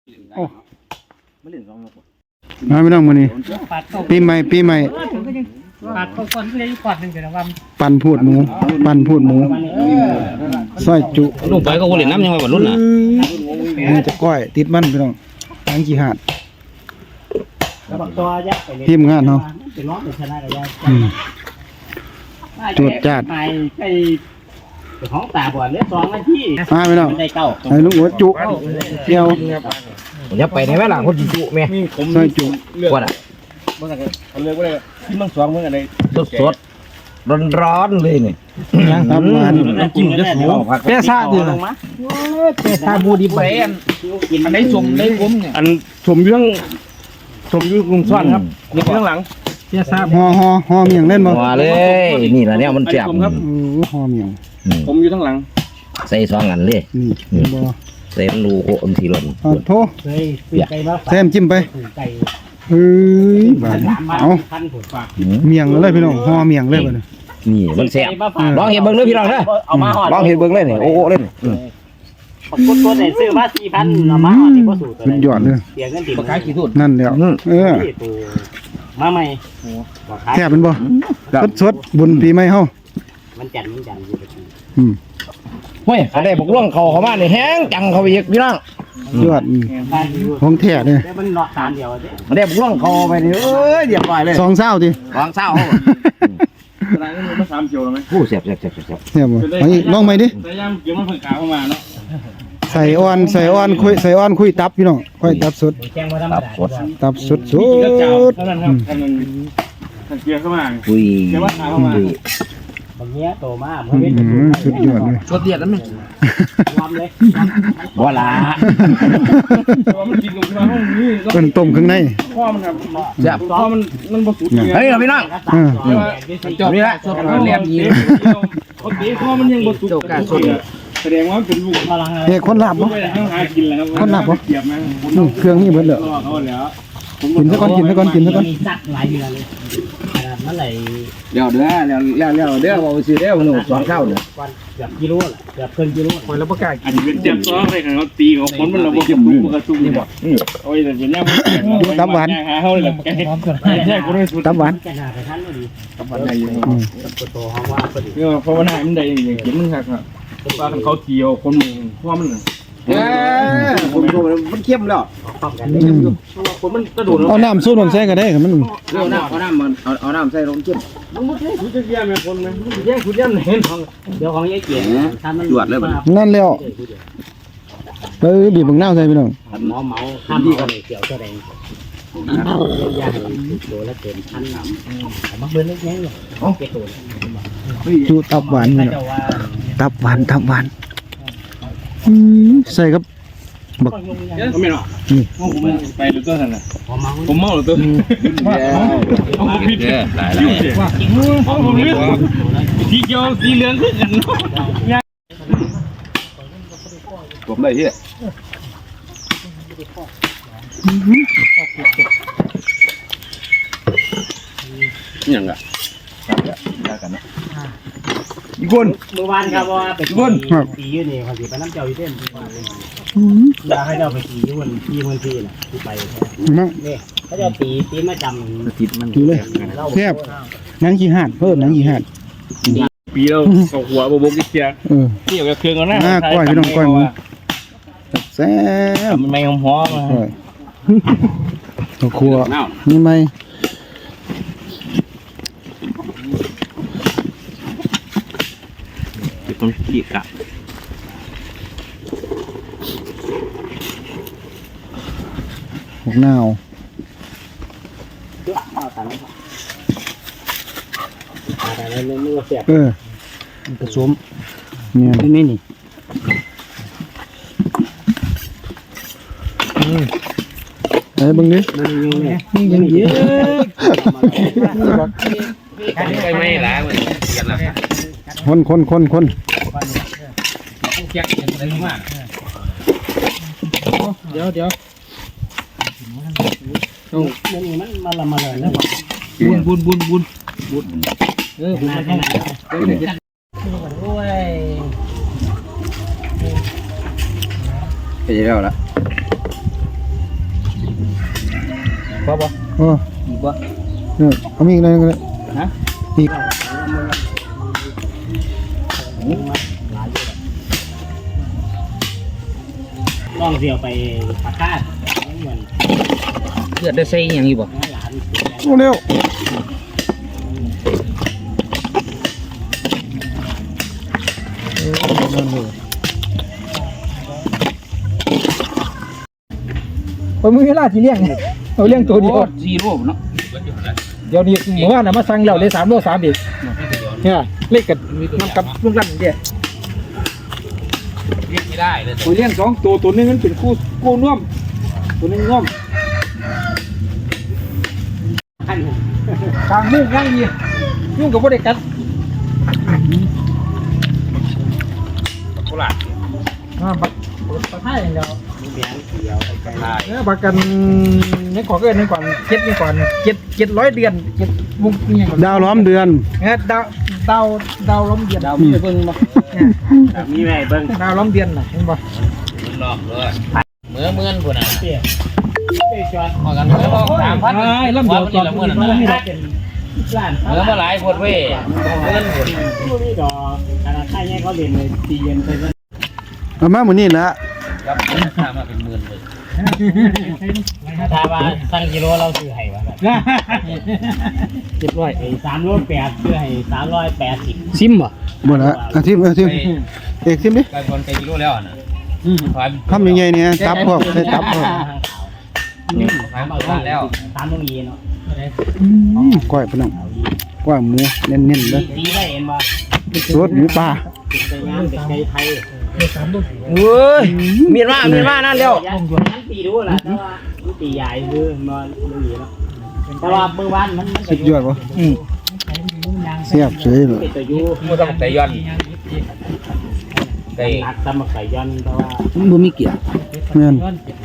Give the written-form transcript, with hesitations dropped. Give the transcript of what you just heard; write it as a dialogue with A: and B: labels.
A: โอ้มาไม่ต้องมานี่ปีใหม่
B: ปาดเข้าก่อนก็เลยปาดหนึ่งเดี๋ยวว่า
A: ปั่นพูดหมูซอยจุ
C: ลูกไปก็คนเล่นน้ำยังไงบ่รุ่นน่ะ
A: นี่จะก้อยติดมันพี่น้องทางกี่หาด
B: แล้วบักตัวยักไปเลย
A: ทีมงานเนาะ
B: เป็นร้องเป็นชนะกันยัก
A: จวดจ้าด
B: ไปของตาบอดเลย2 นาที
A: มาพี่น้อง
B: ได้เก้า
A: ให้ลุงหัวจุเดียว
C: ผมจะไปในแม่หลังคนจุแม่
A: ซอยจุ
C: กว่าอ่ะ
D: เขาเรียกว่าอะไรที่มังสองเมื่ออะไร
C: สดร้อนเลยนี่
A: ยังทำงาน
C: จิ้มจะสูง
A: เปี้ยซ่าดีเลย
C: ถ้าบูดีไปอันไหนสมได้ผมเนี่ย
D: อันสมยุ่งลุงซ่อนครับนี่ข้างหลัง
B: เสียทราบ
A: ฮอเมียงเล่นบ่
C: มาเลยนี่แหละเนี่ยมันแซ่บ
A: ฮอเมียง
D: ผมอยู่ข้างหลัง
C: ใส่2 อันเลย
A: นี่บ่
C: ใส่รูโอมทีหล่น
A: โท
B: เคยซื้อไก่มา
A: แซมจิ้มไป
B: ไก่
A: เฮ้ยบาดเอา
B: พันผุดฝาก
A: เมียงเลยพี่น้องฮอเมียงเลยบ่เนี่ย
C: นี่มันแซ่บลองเห็นเบิ่งเลยพี่น้องเด้อ
B: เอามาห่อ
C: ลองเห็นเบิ่งเลยนี่โอ้เล่น
B: กดได้ซื้อมา 4,000เอามาห่อนี่บ่สูตร
A: สุดยอดเลย
B: เสียเงินติด
C: ปากกาขี้ทุ่น
A: นั่นแล้ว
B: มาใหม่
A: แทบเป็นบ่สดบุญปีใหม่เฮา
B: มันจันอยู่ตะกี้
C: เฮ้ยเขาได้บอกล่วงเขามาเนี่ยแห้งจังเขาไปอีกพี่น้อง
A: ยอด
B: บ้านอยู่
A: ของแท้เนี่ย
B: แต่มันเนาะ3เดียวเด้
C: เขาได้บอกล่วงเขาไปเนี่ยเอ้ยเรียบร้อยเลย
A: 2เศร้าติ
C: วางเศร้า
D: อะไรนี่มัน3 กิโลไหม
C: ผู้เสียบ
A: เนี่ยบ่เอาอีกลองใหม่ดิ
D: แต่ย่างเกี่ยวมันเพิ่งขาเข้ามาเนาะ
A: ใส่อ่อนคุยตับพี่น้องคุยตับสด
B: แจ้งว่าธรรมดา
A: ตับสด
D: มีกระเจ้าเท่านั้นครับท่านเกี่ยวเข้ามา
C: คุย
D: เกี่ยวว่าขาเข้ามา
B: บางเนี้ยโตมาบ่เป็น
A: สุดยอดเลย
C: สดเดียดนั่นมั้ย
B: รวมเลย
C: บ่ละ
D: ตัวมันกินลงมาห้องนี้ก็
A: เป็นต้มข้างใน
D: พ่อมันครับ
C: แซ่บ
D: พ่อมันบ่สุด
C: เฮ้ยพี่น้อง
D: จบนี่แหละสดมันแหลมยิงโอเคพ่อมันยังบ่สุดแสดงว่าเป็นลูก
B: พลังอะไร
A: เฮ้คนลาบบ่
D: ไม่ได้หากินแล้วครับเกียบมั้ง
A: เครื่องนี่เบิดเลย
D: เขาแล้ว
A: กินซะก่อน
B: มีสักหลายเดือนเลยขนาดนั้นไหล
C: เดี๋ยวเด้อบ่ซื้อเด้อมัน2เท่าเนี่ย
B: วันเกือบกิโลแหละเกือบเกินกิโลคนแล้วประกาศ
D: อันนี้เป็นเจ็บซ้อเลยครับเขาตีเขาคนมันระบบเก็บมือกระตุ้งนี่บ่โอ้ยแต่เป็นย่างตับหวานหาเขาเลยแกแค่กูได้สุด
A: ตับหวาน
B: แกหนาไปทันเลย
D: ตับหวานใหญ่อยู่
B: ตัวโตห้องว่าพอดี
D: เนี่ยเพราะว่าหน้ามันใหญ่อย่างเงี้ยมันหักอ่ะว่าเขาเกี่ยวคนมึงเพราะมัน
C: ผมดูมันเข้มแล้ว
B: พร้อมกัน
D: คนมันกระโดด
A: เอาน้ำสูตรมันใส่ก็ได้ครับมัน
C: เอาน้ำใส่ลงเข้ม
D: มันไม่ใช่คุณจะแย่แม่คนไหมคุณแย่คุณแย่เห็นของ
B: เดี๋ยวของยายเกียร์ถ้ามัน
A: นั่นแล้วบีบบังหน้าใส่พี่น้อง
B: หมอเมาข้ามเอาเกี่ยวแสดงยาให้โตแล้วเกินพันหนำมาเบิ้ลเล็กน้อยเลยเกี่ยว
A: จูตับหวานพี่น้อง
B: เจ้าว่า
A: ตับหวานใส่กับบัก
D: ก็ไม่หรอกผมไปหรือตัวนั่นน่ะ
B: หมอเมา
D: ผมเมาหรือตัวผมผิดยุ่งเสียผมเลือกสีเขียวสีเหลืองขึ้นกัน
C: ผมได้ที่ยังอ่ะกันนะอีกคน
B: เมื่อวานครับว่าไปตีอยู่นี่เขาสิไปน้ำเจ้าอยู่เต้นอยากให้เจ้าไปตีอยู่วันที่มันที่น่ะที่ไป
A: มั่ง
B: นี่เขาจะตีมาจำ
C: ติดมัน
A: ดูเลยแทบนังกี่หาดเพิ่มนังกี่หาด
D: ปีเราเขาหัวโบกเกียร์นี่กับเครื่องกันนะ
A: ก้อยพี่น้องก้อยหมูแซ่บ
D: มันไม่หอม
A: ข้าวคั่วนี่ไหม
D: ต้องขี้กะ
A: หกนาว
B: แต่ในมือเสียบ
A: ผสมเนี่ย
B: นี่นี่
A: ไอ้บังนี้
B: ยังเยอะ
C: ไปไม่ล้างเลย
A: คน
B: เดี๋ยวนี่มันมาละมาเลยแล้วบุญบุญบุญมาแค่ไหนโอ้ย
C: ไปแล้วละ
B: พอบ่
A: โอ้
B: อีกบ่
A: เนี่ยเอามีอีกหน่อยก็ได้
B: ฮะ
A: อีก
B: ลองเสียวไปปากกาดเหมือนเลือดได้ใส่อย่างนี้บ่
A: โอ้เร็ว
C: ผมมีเวลาที่เลี้ยงเอาเลี้ยงตัวเดียว
B: ซีโร่เนาะ
C: เดี๋ยวนี้เมื่อวานน่ะมาสั่งแล้วได้3 โล 3อีกเนี่ยเล็กกับน้ำกับลูกลั่นเดียว
B: เรียกไม่ได้เลย
C: ผมเลี้ยง2 ตัวตัวนึงมันเป็นคู่น่วมตัวนึงน่วมกลางมุ้งง่ายดียุ่งกับพวกเด็กกัน
B: โคราช
C: ปักให้อย่างเดียว
B: มีแบงค์เดียวไปไล่
C: เนี่ยปักกันนี่ขอเกินนี่ก่อน7นี่ก่อน700 เดือน7มุ้งนี่ก่อน
A: ดาวล้อมเดือน
C: เนี่ยดาวล้อมเดือน
B: ดาวมีเบิ้งบ่มีแม่เบิ้ง
C: ดาวล้อมเดือนน่ะเห็นป่ะ
B: รอบเลยเมื่อพุ่นน่ะเตี้ยจอดพอกันเมื่อบอก3,000
C: ไอ้ลำเดียวจอด
B: เมื่อนั้นเมื่อหลายคนเว้ยเงินพุ่นนี่ดอกขนาดค่าแย่เขาเรียนเลยตีเย็นไป
A: เอามาหมื้อนี้ละ
B: ครับค่ามาเป็นหมื่นเลยถ้าว่าสั่งกิโลเราซื้อให้ว่า700ไอ้3โล8ซื้อให้380ซิมบ่
A: บ่ละอาทิตย์เอกทิมดิ
B: ไก่บอลไก่กิโลแล้วนะ
A: ทำยังไงเนี่ยตับพวกได้ตับพวก
B: ขายมาแล้วตามตรงนี้เนาะ
A: ก้อยพี่น้องก้อยหมูเน้นๆเลย
B: ดีได้เห็นบ่
A: สดหมูปลา
B: เป็นไก่งามเป็นไก่ไทย
C: เว้ยมีดมานั่นแล้ว
B: ยันตีดูล่ะแต่ว่าตีใหญ่คือมันดูดีแล้วแต่ว่าเมื่อวานมัน
A: สุดยอดบ่เสียบเฉยเลย
B: เป็นตัวยูมันต้องไก่ย้อนไก่หักตำไก่ย้อนแต่ว่า
A: บ่มีเกียร์แม่น